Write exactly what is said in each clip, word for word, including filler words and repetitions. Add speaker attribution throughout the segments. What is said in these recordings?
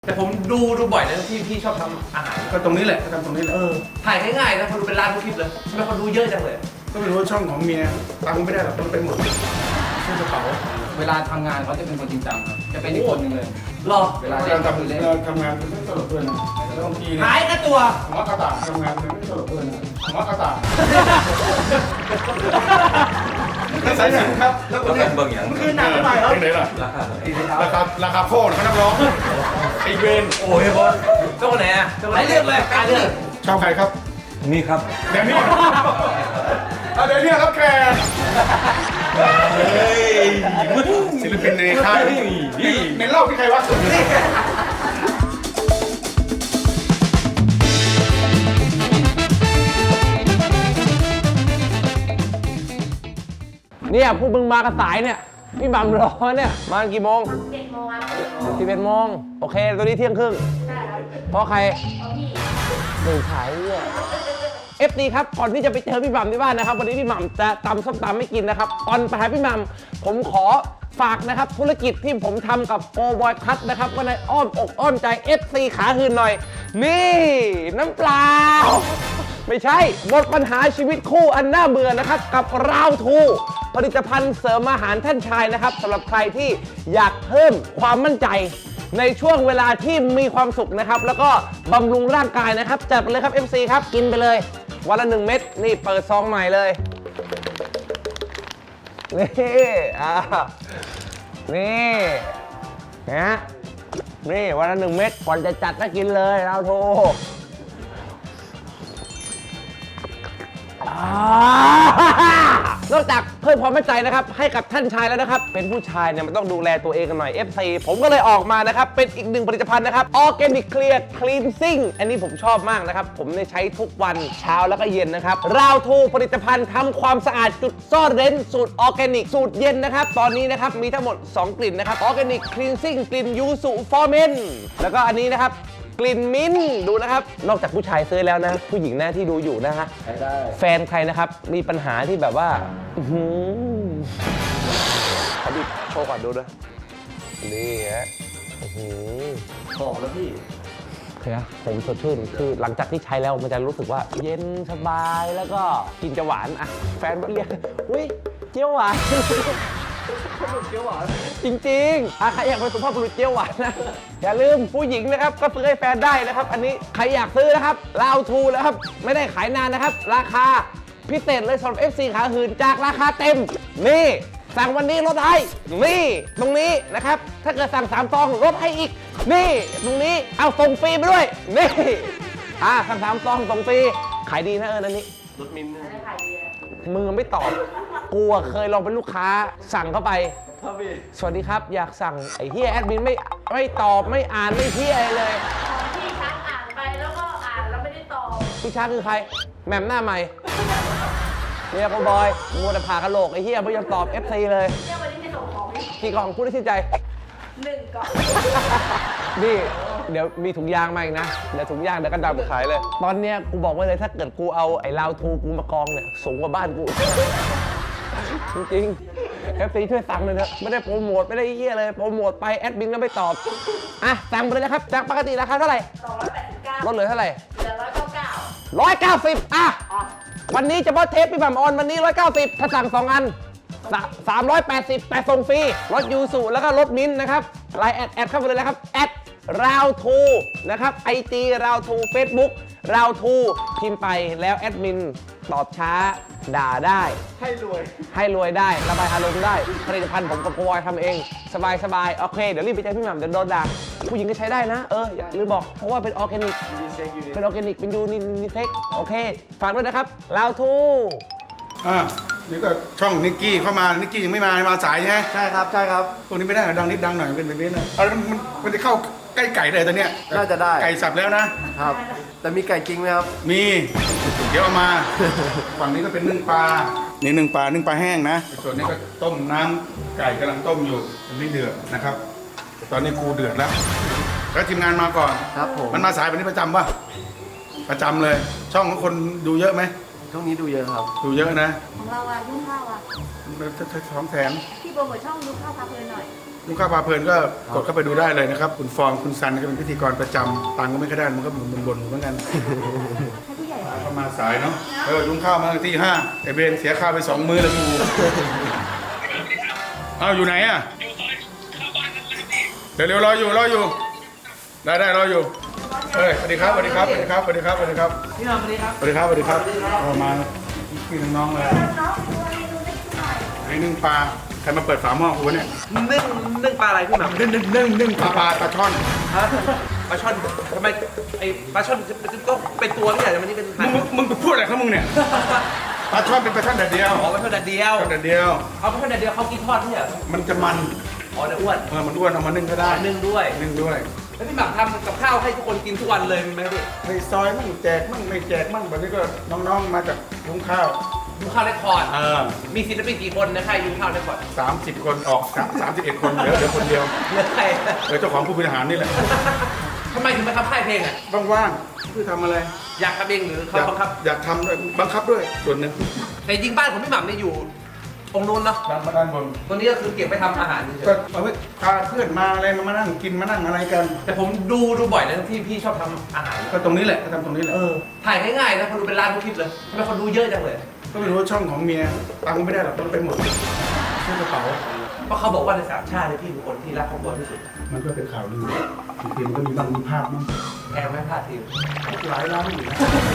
Speaker 1: แต่ผมดูดูบ่อยนะที่พี่ชอบทำอาหาร
Speaker 2: ก็ตรงนี้แหละก็ทำตรงนี้แหละ
Speaker 1: เออถ่ายง่ายๆนะคนดูเป็นล้านทุกคลิปเลยทำไมคนดูเยอะจังเลย
Speaker 2: ก็ไม่รู้ว่าช่องของเมียตังค์ไม่ได้หรอกมันไปหมดซื้อกระเป๋า
Speaker 3: เวลาทำงานเขาจะเป็นคนจริงจังครับ จะเป็นอีกคนหนึ่งเลย
Speaker 1: รอ
Speaker 3: เวลา
Speaker 2: เรา
Speaker 3: เล่น
Speaker 2: ทำ
Speaker 3: คือเล่น
Speaker 2: เราทำงานมันไม่ตลกด้วยนะแล้วบางทีเนี่ย
Speaker 1: หายกันตัว
Speaker 2: หมอกระต่ายทำงานมันไม่ตลกด้วยนะหมอกระต่ายนั่นสายหนังครับ
Speaker 4: แล้วก็เป็นเบิ่งอย่าง
Speaker 1: มันคือหนังใหม่เหรอ
Speaker 2: ไหนล่ะ
Speaker 4: ราคา
Speaker 2: ราคาราคาโคตรเขานักร้องไอเวน
Speaker 1: โอ้ยบอสเจ้าคนไหนอ่ะหลายเรื่องเลยหลายเรื่อง
Speaker 2: ชอบใครครับ
Speaker 4: นี่ครับ
Speaker 2: เดี๋ยวนี้เอาเดี๋ยวนี้รับแขกศิลปินในค่ายในเล่าที่ใครวะ
Speaker 5: เนี่ยพวกมึงมากระสายเนี่ยพี่บัมรอเนี่ยมากี่โมง
Speaker 6: เจ็ดโมงครับ
Speaker 5: สิบเอ็ดโมงโอเคตัวนี้เที่ยงครึ่ง
Speaker 6: ใช่ครับ
Speaker 5: เพราะใคร
Speaker 6: เอาพี่
Speaker 5: หนึ่งขายเนี่ยเอฟดีครับก่อนที่จะไปเจอพี่บัมที่บ้านนะครับวันนี้พี่บัมจะตำส้มตำไม่กินนะครับก่อนไปหาพี่บัมผมขอฝากนะครับธุรกิจที่ผมทำกับโอบอยคัทนะครับก็ในอ้อมอกอ้อมใจ เอฟ ซี ขาหืนหน่อย นี่น้ำเปล่า ไม่ใช่หมดปัญหาชีวิตคู่อันน่าเบื่อนะครับกับราวทูผลิตภัณฑ์เสริมอาหารท่านชายนะครับสำหรับใครที่อยากเพิ่มความมั่นใจ ในช่วงเวลาที่มีความสุขนะครับแล้วก็บำรุงร่างกายนะครับจัดไปเลยครับ เอฟ ซี ครับกินไปเลยวันละหนึ่งเม็ดนี่เปิดซองใหม่เลยนี่อ่านี่นะนี่วันละหนึ่งเม็ดก่อนจะจัดก็กินเลยเราโทรนอกจากเพิ่มความมั่นใจนะครับให้กับท่านชายแล้วนะครับเป็นผู้ชายเนี่ยมันต้องดูแลตัวเองกันหน่อย เอฟ ซี ผมก็เลยออกมานะครับเป็นอีกหนึ่งผลิตภัณฑ์นะครับ Organic Clear Cleansing อันนี้ผมชอบมากนะครับผมได้ใช้ทุกวันเช้าแล้วก็เย็นนะครับราวทูผลิตภัณฑ์ทำความสะอาดจุดซ่อนเร้นสูตรออร์แกนิกสูตรเย็นนะครับตอนนี้นะครับมีทั้งหมดสองกลิ่นนะครับ Organic Cleansing กลิ่นยูสุฟอร์เมนแล้วก็อันนี้นะครับกลิ่นมิ้นท์ดูนะครับนอกจากผู้ชายซื้อแล้วนะผู้หญิงนะที่ดูอยู่นะฮะแฟนใครนะครับมีปัญหาที่แบบว่าอื้อหือขอดิโชว์ก่อนดูด้วยนี่ฮะอื้อหือ
Speaker 1: บอกแล้วพี่
Speaker 5: โอเคนะผมสดชื่นคือหลังจากที่ใช้แล้วมันจะรู้สึกว่าเย็นสบายแล้วก็กินจะหวานอ่ะแฟนมันเรียกอุ้ยเจียวหวานเจียวหวานจริงๆอ่ะใครอยากเป็นสุภาพบุรุษเจียวหวานนะอย่าลืมผู้หญิงนะครับก็ซื้อให้แฟนได้นะครับอันนี้ใครอยากซื้อนะครับลาวทูนะครับไม่ได้ขายนานนะครับราคาพิเศษเลยสำหรับ เอฟ ซี ขาหื่นจากราคาเต็มนี่สั่งวันนี้ลดให้นี่ตรงนี้นะครับถ้าเกิดสั่งสามซองลดให้อีกนี่ตรงนี้เอาส่งฟรีไปด้วยนี่อ่าสั่งสามซองส่งฟรีขายดีนะเออนั่นนี่
Speaker 1: รถมินท์
Speaker 6: ได้ขายดีอะ
Speaker 5: มือไม่ตอบกูอะเคยลองเป็นลูกค้าสั่งเข้าไป
Speaker 1: ครับพี่
Speaker 5: สวัสดีครับอยากสั่งไอ้เฮียแอดมินไม่ไม่ตอบไม่อ่านไม่เฮียอะไรเลย
Speaker 6: ของพี่ชักอ่านไปแล้วก็อ่านแล้วไม่ได้ตอบ
Speaker 5: พี่ช้าคือใครแหม่มหน้าใหม่เนี่ยกูบอยมัวแต่ผ่ากระโหลกไอ้เฮียไม่ยอมตอบ เอฟ ซี เลย
Speaker 6: เนี่ยวันนี้จะส่งของพี่
Speaker 5: กี่กล่องพูดได้ชื่นใจ
Speaker 6: หนึ่งก่อน
Speaker 5: นี่เดี๋ยวมีถุงยางมาอีกนะ เดี๋ยวถุงยางเดี๋ยวก็ดำขายเลย ตอนเนี้ยกูบอกไว้เลยถ้าเกิดกูเอาไอ้ลาวทูกูมากองเนี่ยสูงกว่าบ้านกู จริงๆ เอฟ ซี ช่วยสั่งเลยเถอะไม่ได้โปรโมทไม่ได้เหี้ยเลยโปรโมทไปแอดมินก็ไม่ตอบอ่ะสั่งไปเลยนะครับจากปกติราคาเท่าไหร่
Speaker 6: สองร้อยแปดสิบเก้า
Speaker 5: ลดเหลือเท่าไหร่
Speaker 6: เหลือร้อยเก้าเก้า
Speaker 5: ร้อยเก้าสิบอ่ะวันนี้เฉพาะเทปพี่บัมออนวันนี้ร้อยเก้าสิบถ้าสั่งสองอันสามร้อยแปดสิบแต่ส่งฟรีรถยูสุแล้วก็รถมิ้นท์นะครับไลน์แอดแอดเข้าไปเลยนะครับแอดราวทูนะครับไอจีราวทูเฟซบุ๊กราวทูพิมพ์ไปแล้วแอดมินตอบช้าด่าได้
Speaker 1: ให้รวย
Speaker 5: ให้รวยได้ระบายอารมณ์ได้ผลิตภัณฑ์ผมกับโกบอยทำเอง สบายสบายโอเคเดี๋ยวรีบไปเจอพี่หม่ำเดี๋ยวโดนด่าผู้หญิงก็ใช้ได้นะเอออย่าลืมบอกเพราะว่าเป็นออร์แกนิก
Speaker 1: ดีเซ็กอยู่ดี
Speaker 5: เป็นออร์แกนิก เป็นยูนินิเซ็กโอเค ฝากด้วยนะครับลาวทู
Speaker 2: อ่านี่ก็ช่องนิกกี้เข้ามานิกกี้ยังไม่มามาสายใช่ไหม
Speaker 1: ใช่ครับใช่ครับ
Speaker 2: ตรงนี้ไม่ได้หรอดังนิดดังหน่อยเป็นแบบนี้นะเอาแล้วมันมันจะเข้าใกล้ไก่เลยตอนเนี้ย
Speaker 1: น่าจะได้
Speaker 2: ไก่สับแล้วนะ
Speaker 1: ครับ แต่มีไก่จริงไหมครับ
Speaker 2: มี เดี๋ยวเอามา ฝั่งนี้ก็เป็นนึ่งปลา นี่นึ่งปลา นึ่งปลาแห้งนะ ส่วนนี้ก็ต้มน้ำไก่กำลังต้มอยู่มันไม่เดือดนะครับ ตอนนี้กูเดือดแล้ว แล้วทีมงานมาก่อน
Speaker 1: ครับผม
Speaker 2: มันมาสายแบบนี้ประจำป่ะ ประจำเลย ช่องของคนดูเยอะไหม
Speaker 1: ช่วงนี้ดูเยอะครับ
Speaker 2: ดูเยอะนะ
Speaker 6: ของเราอะยุ่งข้าวอะ
Speaker 2: ท้องแถม
Speaker 6: พี่โปรโมทช่องดูข้าวพักเลยหน่อย
Speaker 2: ยุ้งข้าวพาเพลินก็กดเข้าไปดูได้เลยนะครับคุณฟองคุณซันก็เป็นพิธีกรประจำตังค์ก็ไม่ค่อยได้มันก็บ่นบ่นๆเหมือนกันเข้ามาสายเนาะเออยุ้งข้าวมาที่ห้าไอเบนเสียค่าไปสองมื้อแล้วกูเอาอยู่ไหนอ่ะเดี๋ยวเร็วๆรออยู่รออยู่ได้ได้รออยู่เฮ้ยสวัสดีครับสวัสดีครับสวัสดีครับสวัสดีครับสวัสดีครับ
Speaker 1: พี่มาสวัสดีครับ
Speaker 2: สวัสดีครับสวัสดีครับเอามาพี่น้องๆเลย
Speaker 6: น้องดูเมนูได้หน่อย
Speaker 2: ไอ้นึ่งปลาใครมาเปิดฝาหม้อกูวะเนี่ย
Speaker 1: นึ่งนึ่งปลาอะไรพี่หม่ำนึ่งนึ่งนึ่งนึ่ง
Speaker 2: ปลาปลาปลาช่อน
Speaker 1: ฮะปลาช่อนทำไมไอ้ปลาช่อนจะต้องเป็นตัวไม่ใช่แต่มันนี่เป็น
Speaker 2: มึงมึงพูดอะไรของมึงเนี่ยปลาช่อนเป็นปลาช่อนแดดเดียว
Speaker 1: อ๋อปลาช่อนแดดเดียว
Speaker 2: ช่อนแดดเดียว
Speaker 1: เอาปลาช่อนแดดเดียวเขากินทอดเนี่ย
Speaker 2: มันจะมัน
Speaker 1: อ๋อเดี๋ยวอ้วน
Speaker 2: เออมันอ้วนเอามานึ่งก็ได้
Speaker 1: นึ่งด้วย
Speaker 2: นึ่งด้วย
Speaker 1: แล้วพี่หม่ำทำกับข้าวให้ทุกคนกินทุกวันเลยมีไหมพี่
Speaker 2: ไอ้ซอยมั่งแจกมั่งไม่แจกมั่งแบบนี้ก็น้องๆมาจากยุ้งข้าว
Speaker 1: ยุ้งข้าวได้คอร์ด
Speaker 2: เออ
Speaker 1: มีศิลปินกี่คนนะค่ายยุ้งข้าวได้คอร์ด
Speaker 2: สามสิบคนออกสามสิบเอ็ดคนเหลือเหลือคนเดียว
Speaker 1: เหลือใคร
Speaker 2: เหลือเจ้าของผู้บริหารนี่แหละ
Speaker 1: ทำไมถึงมาทำค่ายเพลงอ่ะ
Speaker 2: ว่างๆคือทำอะไร
Speaker 1: อยากทำเองหรือ
Speaker 2: อ
Speaker 1: เขา
Speaker 2: ยาก
Speaker 1: บังคับ
Speaker 2: อยากทำด้วยบังคับด้วยส่วนหนึ่ง
Speaker 1: แต่จริงบ้านของพี่หม่ำเนี่ยอยู่ตรงนู้นเนาะ
Speaker 2: ด้านด้านบน
Speaker 1: ตรงนี้ก็คือเก็บไว้ทำอาหารเฉ
Speaker 2: ก็
Speaker 1: ย
Speaker 2: เอาไว้พาเพื่อนมาอะไรมามานั่งกินมานั่งอะไรกัน
Speaker 1: ๆแต่ผมดูดูบ่อยนะที่พี่ชอบทำอาหาร
Speaker 2: ก็ตรงนี้แหละก็ทำตรงนี้แหละ
Speaker 1: เออถ่ายง่ายๆนะคนดูเป็นล้านทุกคลิปเลยทำไมคนดูเยอะจังเลย
Speaker 2: ก็ไม่รู้ว่าช่องของเมียตังค์ไม่ได้หรอกต้องไปหมดซื้อกระเป๋า
Speaker 1: เพราะเขาบอกว่าในสามชาติเนี่ยพี่เป็นคนที่รักครอบครัวที่สุด
Speaker 2: มันก็เป็นข่าวลือบางทีมันก็มีบางมีภาพมั้ง
Speaker 1: แอบไม่พลาดทีม
Speaker 2: หลายล้านอยู่นะ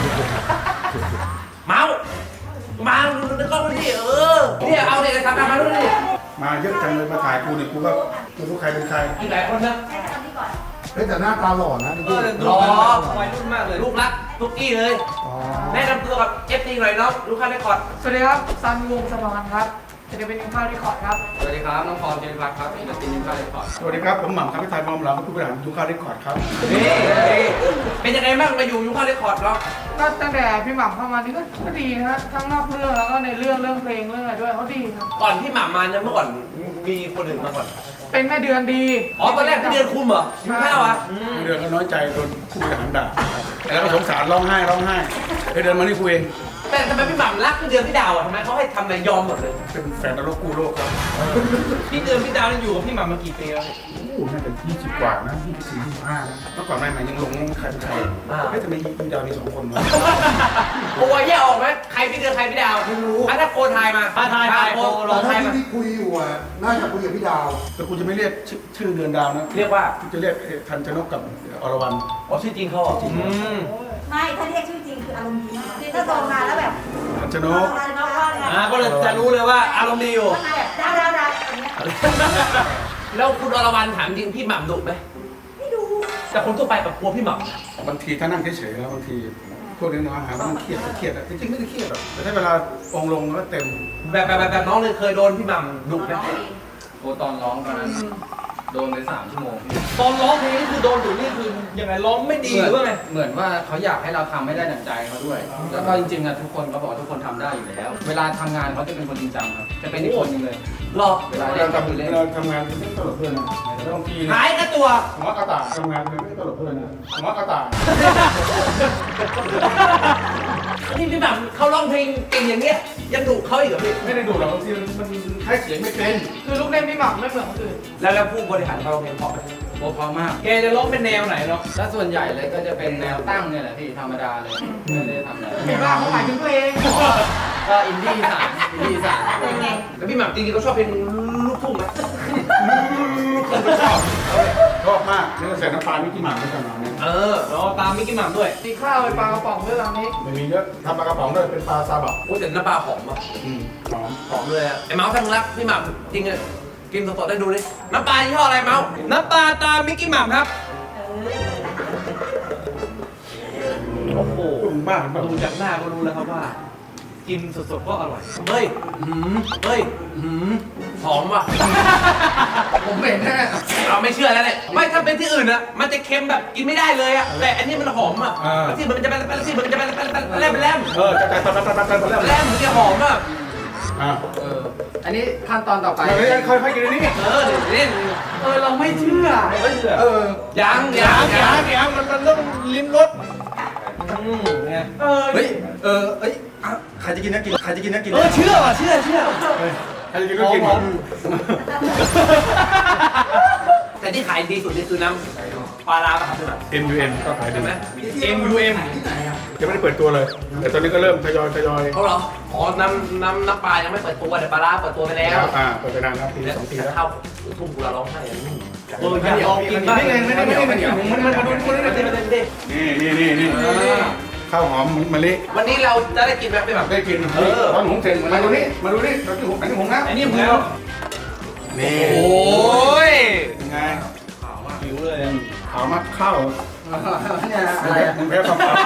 Speaker 1: เมาส์มาดูในกล้องมาดิเออเนี่ยเอาเนี่ยทำงานมาดูดิ
Speaker 2: มาเยอะจังเลยมาถ่ายกูเนี่ยกูก็ไม่รู้ใครเป็นใคร
Speaker 1: มีหลายคนนะ
Speaker 6: ให้ทำนี่ก่อน
Speaker 7: เฮ้ยแต่หน้าตาหล่อนะ
Speaker 1: เออรอวัยรุ่นมากเลยลูกรักทุกกี้เลย
Speaker 7: อ๋อ
Speaker 1: แนะนำตัวกับเอฟซีหน่อยเนาะลูกค้าได้คอร์ด
Speaker 8: สวัสดีครับซันวงศ์สมานครับจะเป็นข้าวที่ขอดครับ
Speaker 3: สวัสดีครับน้องพรเจนพัฒน์ครับอินดัสตรีนิวคาเลคอร์ด
Speaker 2: สวัสดีครับผมหม่ำครับพี่ไทยมอมหลังผู้บริหารยุคข้าวเรคคอร์ดครับ
Speaker 1: นี่เป็นยังไงบ้างมาอยู่ยุคค้าได้คอร์ดเนาะ
Speaker 8: ก็ตั้งแต่พี่หม่ำเข้ามานี่ก็ก็ดีนะฮะทั้งนอกเรื่องแล้วก็ในเรื่องเรื่องเพลงเรื่องอะไรด้วยเขาดีครับ
Speaker 1: ก่อนที่หม่ำมาเนี่ยเมื่อก่อนมีคนอื่นมาก่อน
Speaker 8: เป็นแม่เดือนดี
Speaker 1: อ๋อตอนแรกพี่เดือนคุมเหรอยุคข้าวอ่ะ
Speaker 2: พี่เดือนก็น้อยใจโดนผู้บริหารด่าแล้วก็สงสารร้องไห้ร้องไห้ไอเดือนมานี่กูเอง
Speaker 1: แต่ทำไมพี่หม่ำรักพี่เดือนพี่ดาวอ่ะทำไมเขาให้ทำอะไรยอมหมดเลย
Speaker 2: เป็นแฟนนรกกูโลกครับ
Speaker 1: พี่เดือนพี่ดาวนี่อยู่กับพี่หม่ำมากี่ปีแล้วเนี่ย
Speaker 2: โอ้โหน่าจะยี่สิบกว่านะยี่สิบสี่ยี่สิบห้านะเมื่อก่อนใหม่ๆยังหลงใครเป็นใครเฮ้ยทำไมมีดาวมีสองคนวะ
Speaker 1: โอ้ยแยกออกไหมใครพี่เดือนใครพี่ดาวไม่รู้อ่ะถ้าโคทายมาทายทายโคล
Speaker 7: ต
Speaker 1: อ
Speaker 7: อง น
Speaker 1: ทาย
Speaker 7: ที่
Speaker 1: มา
Speaker 7: ที่คุยอยู่อ่ะน่าจะคุยกับพี่ดาว
Speaker 2: แต่กูจะไม่เรียกชื่อชื่อเดือนดาวนะ
Speaker 1: เรียกว่า
Speaker 2: กูจะเรียกทันชนกกับอรวรรณ
Speaker 1: อ๋อชื่อจริงเขาเหรออืม
Speaker 6: ไม่ถ้าเรียกชื่อจริงคืออารมณ์ดีมากถ้าโตมาแล้วแบบ
Speaker 2: ทันชน
Speaker 6: โต
Speaker 2: ก
Speaker 6: มาแล้วว่าไง
Speaker 1: อ่าก็เลยจะรู้เลยว่าอารมณ์ดีอยู่
Speaker 6: ว่าไงแบบดาวดาวดาวอย่างเงี้ย
Speaker 1: แล้วคุณอรวรรณถามจริงพี่หม่ำดุไหม
Speaker 6: ไม่ดู
Speaker 1: แต่คนทั่วไปแบบกลัวพี่หม่ำ
Speaker 2: บางทีถ้านั่งเฉยๆแล้วบางทีพวกนี้น้องหาว่ามันเครียดก็เครียดอะจริงๆไม่ได้เครียดหรอกแต่ถ้าเวลาองค์ลงแล้วเต็ม
Speaker 1: แบบแบบแบบแบบน้องเลยเคยโดนพี่หม่ำดุไหม
Speaker 3: โอ้ตอนร้องตอนนั้นโดนไปสามชั่วโมง
Speaker 1: ตอนร้องเพลงนี่คือโดนดุนี่คือยังไงร้องไม่ดีหรือว่าไง
Speaker 3: เหมือนว่าเขาอยากให้เราทำให้ได้ดั่งใจเขาด้วย แล้วก็จริงๆอะทุกคนเขาบอกว่าทุกคนทำได้อยู่แล้ว เวลาทำงานเขาจะเป็นคนจริงจังครับ จะเป็นอีกคนหนึงเลย
Speaker 1: หรอ
Speaker 3: เวลา
Speaker 2: เว
Speaker 3: เล่
Speaker 2: ลาน
Speaker 3: ก็คือ
Speaker 2: ทำ
Speaker 3: เล่น
Speaker 2: เวลาทำงานจะไม่ตลกเพื่อนนะแต่บางทีเนี่ย
Speaker 1: หายกับตัว
Speaker 2: หัวกระต่ายทำงานมันไม่ตลกเพื่อนนะหัวกระต่าย
Speaker 1: นี่พี่หม่ำเขาร้องเพลงเก่งอย่างเงี้ยยังดุเขาอีกเหรอพี่
Speaker 2: ไม่ได้ดูหรอกบางทีมันมันใช้เสียงไม่เป็น
Speaker 8: คือลูกเล่นพี่หม่ำไม่เหมือนคนอื่น
Speaker 1: แล้วแล้วผู้บริหารเขาร้องเพลงเพราะไหม
Speaker 3: โอ้พอมาก
Speaker 1: แกจะร้องเป็นแนวไหนเนาะ
Speaker 3: ถ้าส่วนใหญ่เลยก็จะเป็นแนวตั้งเนี่ยแหละพี่ธรรมดาเลยไม่ได้ทำอะไร
Speaker 8: เห็นว่าเขาหมายถึงเพลง
Speaker 3: ก็อินดี้อีสานอินดี้อีสาน
Speaker 6: เป็นไง
Speaker 1: แล้วพี่หม่ำจริงๆเขาชอบเพลงลูกทุ่งไหม
Speaker 2: ชอบชอบมากนี่ก็ใส่น้ำปลาไม่กี่หมากไม่กันหรอกเนี่ย
Speaker 1: เออเราตามมิกกี้หม่ำด้วย
Speaker 8: ตีข้าวไปปลากระป๋องด้วยตอนนี้
Speaker 2: ไม่มีเยอะทำปลากระป๋องด้วยเป็นปลาซาบะ
Speaker 1: โอ้แต่น้ำปลาหอมอ่ะ
Speaker 2: อืมหอม
Speaker 1: หอมเลยอะไอ้เมาส์ทั้งรักพี่หม่ำจริงเลยกินสดๆได้ดูดิน้ำปลายี่ห้ออะไรเมาส์น้ำปลาตามมิกกี้หม่ำครับโอ้โห
Speaker 2: ตุ้มบ้าแบบ
Speaker 1: ดูจากหน้าก็รู้แล้วครับว่า กินสดๆก็อร่อยเฮ้ยหืมเฮ้ยหืมหอมว่ะ
Speaker 3: ผมเป็นแน่
Speaker 1: เราไม่เชื่อแล้วเนี่ยไม่ถ้าเป็นที่อื่นอะมันจะเค็มแบบกินไม่ได้เลยอะแต่อันนี้มันหอมอะแล้วที่มันจะเป็นแล้วที่มันจะเป็นแล่มแล่ม
Speaker 2: เออจะแต่ตอนตอนตอนตอนแรก
Speaker 1: แล่มมันจะหอมอะ
Speaker 2: อ่า
Speaker 3: เอออันนี้ขั้นตอนต่อไป
Speaker 2: เดี๋ยวค่อยๆกินอันนี้
Speaker 1: เออเดี๋ยวเล่น
Speaker 8: เออเราไม่เชื่อ
Speaker 1: ไม่เชื่อ
Speaker 2: เออ
Speaker 1: ยังยังยังยังมันมันต้องลิ้มรสอืมไง
Speaker 8: เออ
Speaker 7: เฮ้ย เออเอ้ยอ่ะใครจะกินนะกิน ใครจะกินนะกิน
Speaker 1: เออเชื่อว่ะเชื่อเชื่อ
Speaker 2: ใครจะกินก็กิน
Speaker 1: แต่ที่ขายดีสุดนี่คือน้ำปลาร้าป่ะครับพี่หม่ำ
Speaker 2: เอ็ม ยู เอ็ม ก็ขายดี
Speaker 1: ใช่ไหม
Speaker 2: เอ็ม ยู เอ็ม ยังไม่ได้เปิดตัวเลย แต่ตอนนี้ก็เริ่มทยอยทยอย
Speaker 1: เขาเหรออ๋อน้ำน้ำน้ำปลายังไม่เปิดตัวแต่ปลาร้าเปิดตัวไปแล้ว
Speaker 2: อ่าเปิดไปนานแล้วปีสองปีแล้ว
Speaker 1: เข้าทุ่งกุลาร้องไห้เอออยาก
Speaker 2: เดี๋ยว
Speaker 1: ลองกินบ้าง
Speaker 2: ไม่ไงไม่ได้ไม่ได้ไม่ได้มันมันมาดูดู
Speaker 1: ไม่ได้ไม่ได้ไม่ได้
Speaker 2: นี่นี่นี่นี่ข้าวหอมมะลิ
Speaker 1: วันนี้เราจะได้กินแบบไม่แบบ
Speaker 2: ได้กินตอนหุงเสร็จมาดูนี่มาดูนี่เราที่หุงอันนี้หุงนะ
Speaker 1: อันนี้ผมแล้ว
Speaker 2: นี่
Speaker 1: โอ้ย
Speaker 2: ยังไงหิวเลยขาวมากข้าว
Speaker 7: เนี่ยอะไรอะ
Speaker 2: มันแพ้ความขาว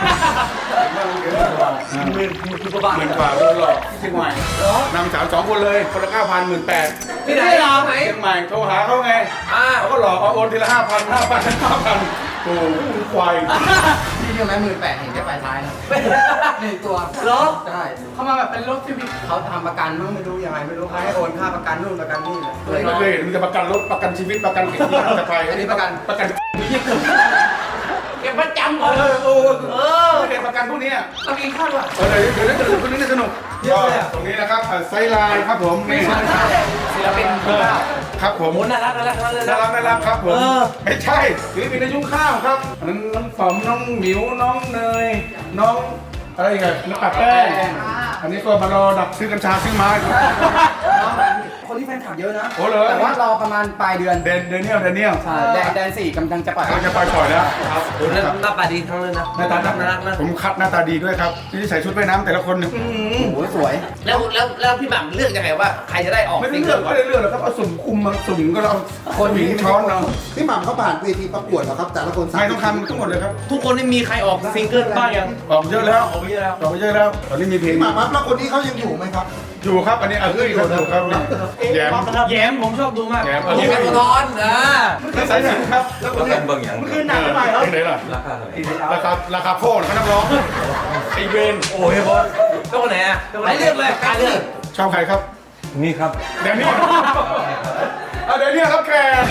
Speaker 2: หมื่นหมื่นกว่าบาทหมื่นกว่าเลยหรอที่เชียงใหม่นำสาวสองคนเลยคนละเก้าพันหมื่นแปด
Speaker 1: ที่ไหนเหรอไหน
Speaker 2: เชียงใหม่โทรหาเขาไง
Speaker 1: อ่า
Speaker 2: เขาก็หลอกเอาโอนทีละห้าพันห้าพันห้าพันโอ้โหควาย
Speaker 3: นี่ใช่ไหมหมื่นแปดเห็นแค่ปลายท้ายนะหนึ่งตัว
Speaker 1: เหรอ
Speaker 3: ใช่
Speaker 8: เข้ามาแบบเป็นรถซีวิก
Speaker 3: เขาทำประกันมั้งไม่รู้ยังไงไม่รู้เขาให้โอนค่าประกันนู่นประกันนี่เลย
Speaker 2: ไม่เคยเห็นมีแต่ประกันรถประกันชีวิตประกันเก็บที่จะไป
Speaker 3: อันนี้ประกัน
Speaker 2: ประกัน
Speaker 1: เก็บประจำ
Speaker 2: เอ
Speaker 1: ก่อน
Speaker 2: อโอ้
Speaker 1: เออ
Speaker 2: เห็นประกันพวกนี้
Speaker 1: เรากินข้าวอ่ะ
Speaker 2: เออเดี๋ยวเดี๋ยวเดี๋ยวพวกนี้สนุกตรงนี้นะครับไซไลน์ครับผมนี่
Speaker 1: ศิลปินคุณข้าว
Speaker 2: ครับผม
Speaker 1: โอ้น่ารักน่ารักน่ารัก
Speaker 2: น่ารักน่ารักครับผม
Speaker 1: เออ
Speaker 2: ไม่ใช่ศิลปินในยุ้งข้าวครับอันนั้นน้องฝอมน้องหมิวน้องเนยน้องอะไรอีกันน้องปัดแป้งอันนี้ก็มารอดักซื้อกัญชาซื้อไม้
Speaker 3: คนที่แฟนคลับเยอะนะ
Speaker 2: โอ้เหรอ
Speaker 3: แต่ว่ารอประมาณปลายเดือน
Speaker 2: เดนเดนเนียลเดนเนียล
Speaker 3: ใช่แดนแดนสี่กำลังจะปล่อย
Speaker 2: เราจะไปปล่อยแล้วครับ
Speaker 1: โอ้หน้าหน้าตาดีทั้งนั้นนะ
Speaker 2: หน้าตา
Speaker 1: น่ารักนะ
Speaker 2: ผมคัดหน้าตาดีด้วยครับที่ใส่ชุดว่ายน้ำแต่ละคนเนี่ยอื้อหือ
Speaker 3: โอ้โหสวย
Speaker 1: แล้วแล้วแล้วพี่หม่ำเลือกยังไงว่าใครจะได้ออก
Speaker 2: ไม่ได้
Speaker 1: ซิง
Speaker 2: เลื
Speaker 1: เกิ
Speaker 2: อก
Speaker 1: ล
Speaker 2: ไม่ได้เลือกหรอกครับเอาสุ่มคุมมาสุ่มก็เรา
Speaker 3: คน
Speaker 2: หญิงช้อนเรา
Speaker 7: พี่หม่ำเขาผ่านเวทีประกวดเหรอครับ แต่ละคน
Speaker 2: ไม่ต้องทำทั้งหมดเลยครับ
Speaker 1: ทุกคนนี่มีใครออกซิงเกิลบ้างยัง
Speaker 2: ออกเยอะแล้ว
Speaker 1: ออกเยอะแล้ว
Speaker 2: ออกเยอะแล้วตอนนี้มีเพลง
Speaker 7: พี่หม่ำครับแล้วคนนี้เขายังอยู่ไหมครับ
Speaker 2: อยู่ครับอันนี้เอาเฮ้ยครับอยู่ครับแยม
Speaker 1: แย้มผมชอบดูมาก
Speaker 2: แย้ม
Speaker 1: ผมเป็นร้อนอ่า
Speaker 2: แล้วสายสินครับแล้วคน
Speaker 4: ประ
Speaker 2: นี้
Speaker 4: กันบางอย่าง
Speaker 2: มันคือหนักไปไหนครับไหนล่ะ
Speaker 4: ราคาเท่าไหร่
Speaker 2: ราคาราคาโคตรเขานักร้องไอเวน
Speaker 1: โอ้ยบอลแล้วคนไหนอ่ะไหนเลือกเลยการเลือก
Speaker 2: ชอบใครครับ
Speaker 4: นี่ครับ
Speaker 2: เดนนี่เอาเดนนี่ครับแขก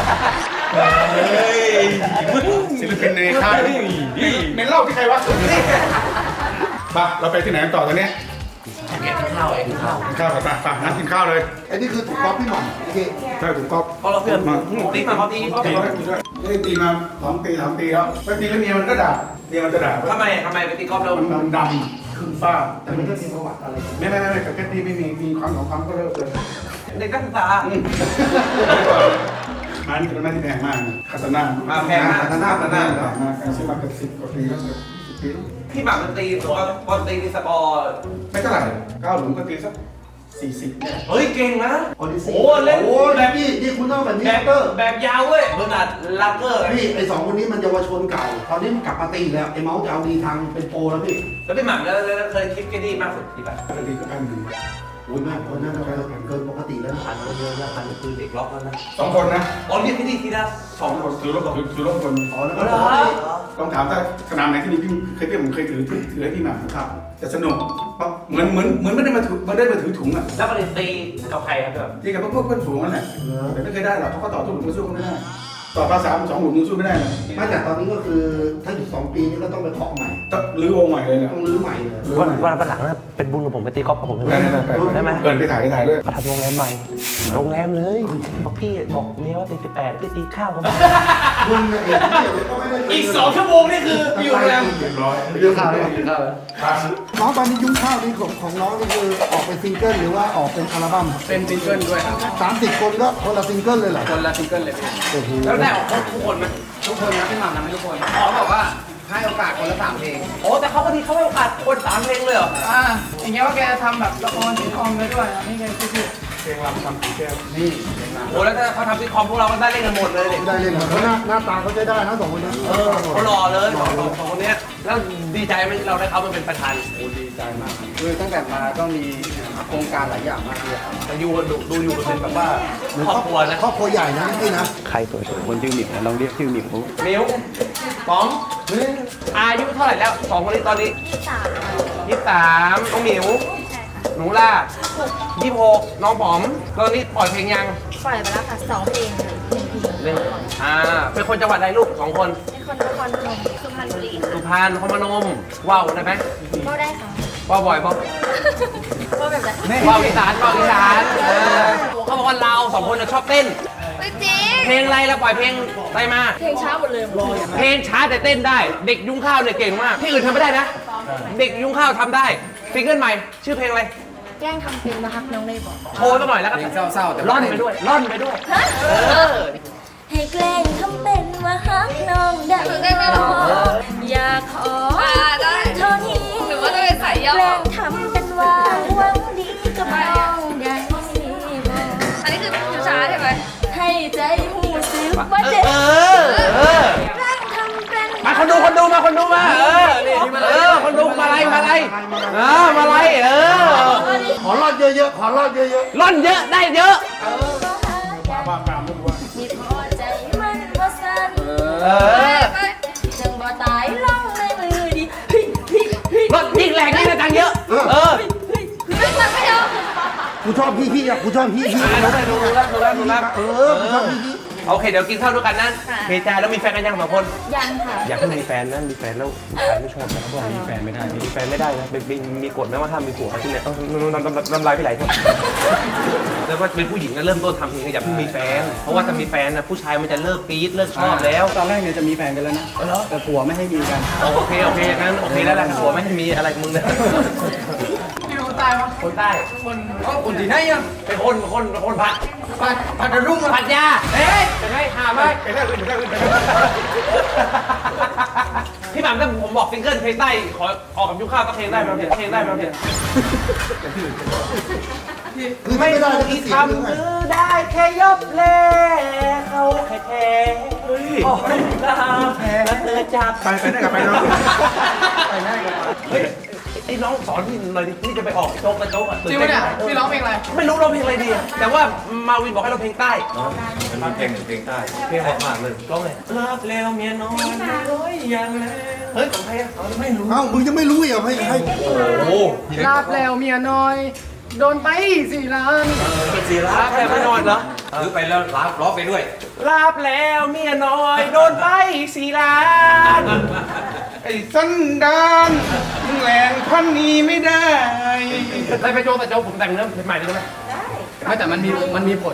Speaker 2: ศิลปินในค่ายในเล่าที่ใครวะมาเราไปที่ไหนกันต่อตอนนี้
Speaker 1: เก็บข้าวเองข้าว
Speaker 2: กินข้าวกันไปไปงั้นกินข้าวเลย
Speaker 7: อันนี้คือถูกก๊อปพี่หม่ำโอเค
Speaker 2: ใช่ผมก็
Speaker 1: เพราะเราเพื่อนตีมาเขาตีเขา
Speaker 2: ตีแล้วด้วยไม่ได้ตีมาสองปีสามปีแล้วไปตีแล้วเมียมันก็ด่าเมียมันจะด่า
Speaker 1: ทำไมทำไมไปตีกอล์ฟแล้ว
Speaker 2: มันมันดำขึ้นฟ้า
Speaker 7: แต่มันก็มีประวัติอะไร
Speaker 2: ไม่ไม่ไม่ไม่แต่แค่ตีไม่มีมีความสองความก็เลิกเลย
Speaker 1: เด็กนักศึกษา
Speaker 2: มานี่เป็นหน้าที่แพงมากคาตาน่า
Speaker 1: มาแพงมาก
Speaker 2: คาตาน่าคาตาน่ามาการซื้อมาเกือบสิบกว่าปีแล้วเกือบสิบปี
Speaker 1: พี่หม่ำมันตีตัวบอลตีในสกอร์
Speaker 2: ไม่เท่าไหร่เก้าหลุมก็ตีสักสี่สิบเนี่ย
Speaker 1: เฮ้ยเก่งนะ
Speaker 7: โอ้ดิ
Speaker 1: โอ้เล่น
Speaker 7: โอ้แบบพี่นี่คุณต้องแบบนี้
Speaker 1: แบบ
Speaker 7: เตอร์
Speaker 1: แบบยาวเว้ยเบอร์นาร์ดลักเกอร์
Speaker 7: พี่ไอสองคนนี้มันเยาวชนเก่า ตอนนี้มันกลับมาตีแล้วไอเมาส์จะเอาดีทางเป็นโปรแล้วพี่
Speaker 1: แล้วพี่หม่ำแล้วเคยคลิปแกดีมากสุดที่แบบ
Speaker 2: ปกติก็พันหนึ่ง
Speaker 7: โอ้ยมากคนนั้นเกินปกติแล้ว
Speaker 1: พันคนเยอะนะพันคือเด็กล็อกแล้วนะ
Speaker 2: สองคนนะ
Speaker 1: อ๋อนี่พี่ดีทีละสอง
Speaker 2: สองคนถือรถถือถือรถคน
Speaker 7: อ๋อแล้ว
Speaker 1: เห
Speaker 7: ก็
Speaker 1: รอ
Speaker 2: ลองถามถ้าสนามไหนที่มีพี่เคยพี่ผมเคยถือถือถือให้พี่หมาครับจะสนุกเพราะเหมือนเหมือนเหมือนไม่ได้มาถือไม่ได้มาถือถุงอ่ะ
Speaker 1: แล้วประเด็นตีกับใครครับแบบ
Speaker 2: ที่กับพวกเพื่อนฝูงนั่นแหละแต่ไม่เคยได้หรอกเพราะเขาต่อสู้หลุมมือสู้ไม่ได้ต่อภาษาสองหลุมมือสู้ไม่ได้เลย
Speaker 7: ไม่แต่ตอนนี้ก็คือถ้าอยู่สองปีนี้ก็ต้องไปเคาะใหม่
Speaker 2: ต้องรื้อวงใหม่เลยแหละ
Speaker 7: ต้องรื้อใหม่เลย
Speaker 5: วันวันวันหลังนะเป็นบุญกับผมไปตีกอล์ฟกับผมได้ไหม ได้ไหม
Speaker 2: เกินไปถ่ายไปถ่ายด้วย
Speaker 5: ทำโรงแรมใหม่ โรงแรมเลยบอกพี่บอกเมียว่าตีสิบแปดไปตีข้าวกัน
Speaker 7: มึงเนี่ยเองที่เดี๋ยวก็ไม่ได้
Speaker 1: อีกสองชั่วโมงนี่คืออยู่โรงแรม
Speaker 2: เรียบร้อย
Speaker 7: เรื่องข่าวเลย
Speaker 2: ครับ
Speaker 7: น้องตอนนี้ยุ่งข้าวนี่ของของน้องนี่คือออกเป็นซิงเกิลหรือว่าออกเป็นอัลบั้ม
Speaker 3: เป็นซิงเกิลด้วยครับ
Speaker 7: สามสิบคนก็คนละซิงเกิลเลยเหรอ
Speaker 3: คนละซิงเกิลเลย
Speaker 7: โอ้โห
Speaker 1: แล้วได้ออกครบทุกคนไหม
Speaker 3: ทุกคนนะพี่หม่ำนะไม่ทุกคนเขาบอกว่าให้โอกาสคนละสามเพลง
Speaker 1: โอ้แต่เขาพอดีเขาให้โอกาสคนสามเพลงเลยเหรอ
Speaker 8: อ่าอย่างเงี้ยว่าแกทำแบบละครซิทคอมไว้ด้วยอ่ะนี่แกคือ
Speaker 2: เพลงรำทำผีแก้ว
Speaker 3: นี่เพลงร
Speaker 1: โอ้แล้วถ้าเขาทำซิทคอมพวกเราก็ได้เล่นกันหมดเลยเด็ก
Speaker 7: ได้เลยเหรอเพราะหน้าหน้าตาเขาใช้ได้นะสองคนนี้
Speaker 1: เออเขาหล่อเลยสองสองสองคนเนี้ยแล้วดีใจไหมที่เราได้เขามาเป็นประธาน
Speaker 3: ำโอ้ดีใจมากครับคือตั้งแต่มาก็มีโครงการหลายอย่างมากเลยครับ
Speaker 1: แต่ยูดูดูอยู่เป็นแบบว่าครอบครัวนะ
Speaker 7: ครอบครัวใหญ่นะพี่นะ
Speaker 5: ใครสวย
Speaker 3: คนชื่อหมิวลองเรียกชื่อหมิว
Speaker 1: มิวป๋องอายุเท่าไหร่แล้วสองคนนี้ตอนนี้
Speaker 6: สามค่ะ
Speaker 1: ยี่สิบสามน้องหมิว
Speaker 6: ใช่ค่ะ
Speaker 1: หนูล่ายี่สิบหกน้องป๋อมตอนนี้ปล่อยเพลงยัง
Speaker 6: ปล่อยไปแล้วค่ะสองเพลงค่ะหนึ่งเพลง
Speaker 1: เล่นอ่าเป็นคนจังหวัดใดลูกสองคน
Speaker 6: เป็นคนนครพนมสุพรรณบุรี
Speaker 1: สุ
Speaker 6: ค่ะ
Speaker 1: พรรณนครพนมว้าวได้ไหม
Speaker 6: ก็ได้ค่ะ
Speaker 5: ว่าบ่อยป่ะ
Speaker 6: ว่าแบบไหน
Speaker 5: ว่าอีสานว่าอีสานเออเขาบอกว่าเราสองคนน่ะชอบเต้น
Speaker 6: ไม่จริง
Speaker 5: เพลงอะไรเราปล่อยเพลงอะไรมา
Speaker 6: เพลงช้าหมดเลย
Speaker 5: เพลงช้าแต่เต้นได้ เด็กยุ้งข้าวเนี่ยเก่งมาก ที่อื่นทำไม่ได้นะ เด็กยุ้งข้าวทำได้ซิงเกิลใหม่ ชื่อเพลงอะไร
Speaker 6: แกล้งทำเป็นนะครับน้องเลยบอก
Speaker 5: โชว์สักหน่อยแล้วก็
Speaker 3: เพลงเศร้าๆแต่
Speaker 5: ร่อนไปด้วยร่อนไปด้วย
Speaker 6: ให้แกล้งทำเป็นว่าฮักน้องได้หรออยากขอเท่านี้หรือว่าจะเป็นสายย่อแกล้งทำเป็นว่าหวังดีกับน้องได้บอกอันนี้คือช้าใช่ไหมให้ใจหูซึ้งว่าเจ็บ
Speaker 5: เออเออ
Speaker 6: แกล้งทำเป็น
Speaker 5: มาคนดูคนดูมาคนดูมาเออนี่เออคนดูมาอะไรมาอะไรเออมาอะไรเออ
Speaker 7: ขอรอดเยอะๆ ขอรอดเยอะ
Speaker 5: ร่อนเยอะได้เยอะ
Speaker 6: มีพอใจมันว่าสั้น
Speaker 5: เออ
Speaker 6: จังบ่ตายล่องในมือดิ
Speaker 5: ร่อนยิ่งแรงยิ่งได้ตังค์เยอะเออ
Speaker 6: ไม่ฟังไม่เอา
Speaker 7: ๆ กูชอบพี่พี่อ่ะ กูชอบพี่พี่
Speaker 5: ดูได้ดูแล้วดูแล้วดูแล้ว
Speaker 7: เออ กูชอบพี่พี่
Speaker 5: โอเคเดี๋ยวกินข้าวด้วยกันนะเพจใจแล้วมีแฟนกันยังสองคน
Speaker 6: ยังค่ะ
Speaker 5: อยากให้มีแฟนนะมีแฟนแล้วผู้ชายไม่ชอบนะเขาบอกมีแฟนไม่ได้มีแฟนไม่ได้นะเป็นเป็นมีกฎไหมว่าห้ามมีผัวที่เนี่ยเอ้าน้ำน้ำน้ำน้ำลายพี่ไหลครับแล้วว่าเป็นผู้หญิงนะเริ่มต้นทำเพลงอย่าเพิ่งมีแฟน เพราะว่าถ้ามีแฟนนะผู้ชายมันจะเลิกปี๊ดเลิกชอบแล้ว
Speaker 3: ตอนแรกเนี่ยจะมีแฟนกันแล้วนะแต่ผัวไม่ให้มีกัน
Speaker 5: โอเคโอเคอย่างนั้นโอเคแล้วแหละผัวไม่ให้มีอะไรกับมึงเนี่ย
Speaker 8: พี่รู้ตายวะ
Speaker 5: คนใต้
Speaker 8: คนก็คนที่ไหนอ่ะ
Speaker 5: เป็นคนคนคนผัด
Speaker 8: ผัดผัดกระรุ่ง
Speaker 5: ผัดยาเอ๊ะจะให้หาไหม
Speaker 2: ไปได้อื่นไปได้อื่นไปได้
Speaker 5: พี่หม่ำถ้าผมบอกซิงเกิลเพลงใต้ขอออกกับยุคข้าวก็เพลงได้ไหมเพลงได้ไหมเพลง
Speaker 7: คือ
Speaker 5: ไม่
Speaker 7: ไม่ได้
Speaker 5: ต้อง
Speaker 7: จะ
Speaker 5: อี
Speaker 7: เสี
Speaker 5: ก
Speaker 7: ยง
Speaker 5: คำคือได้แค่ยบเล่เขาแค่แค่โอ้ยตาแล้วเธอจาก
Speaker 2: ไปไปได้กับไปเนาะ
Speaker 5: ไปได้กับเฮ้ยไอ้น้องสอนพี่หน่อยดิพี่จะไปออกโจ๊กกระโจ๊กอ่ะ
Speaker 8: จริงปะเนี่ยพี่ร้องเพลงอะไร
Speaker 5: ไม่รู้ร้องเพลงอะไรดีอะแต่ว่ามาวินบอกให้เราเพลงใต้
Speaker 4: มันมีเพลงหนึ่งเพลงใต้
Speaker 5: เพลงของมากเลยร้องเลยรับแล้วเมียน้อยโอ้ยยังแล้วเฮ้ยของใครอะไม่รู้
Speaker 7: เอ้า มึงยังไม่รู้อีกเหรอให้ให้
Speaker 5: โอ้
Speaker 8: ลาบแล้วเมียน้อย โดนไปสี่ล้าน
Speaker 5: เป็นสีรับแล้วไม่นอนเหรอ
Speaker 4: หรือไปแล้วร้องร้องไปด้วย
Speaker 5: ลาบแล้วเมียน้อยโดนไปสี่ล้าน
Speaker 2: ไอ้สันดานมึงแหลงพันนี้ไม่ได้
Speaker 5: ไปไปโจ๊กแต่โจ๊กผมแต่งเนื้อเพลงใหม่ได้ไหม
Speaker 3: ไม่แต่มันมีมันมีผล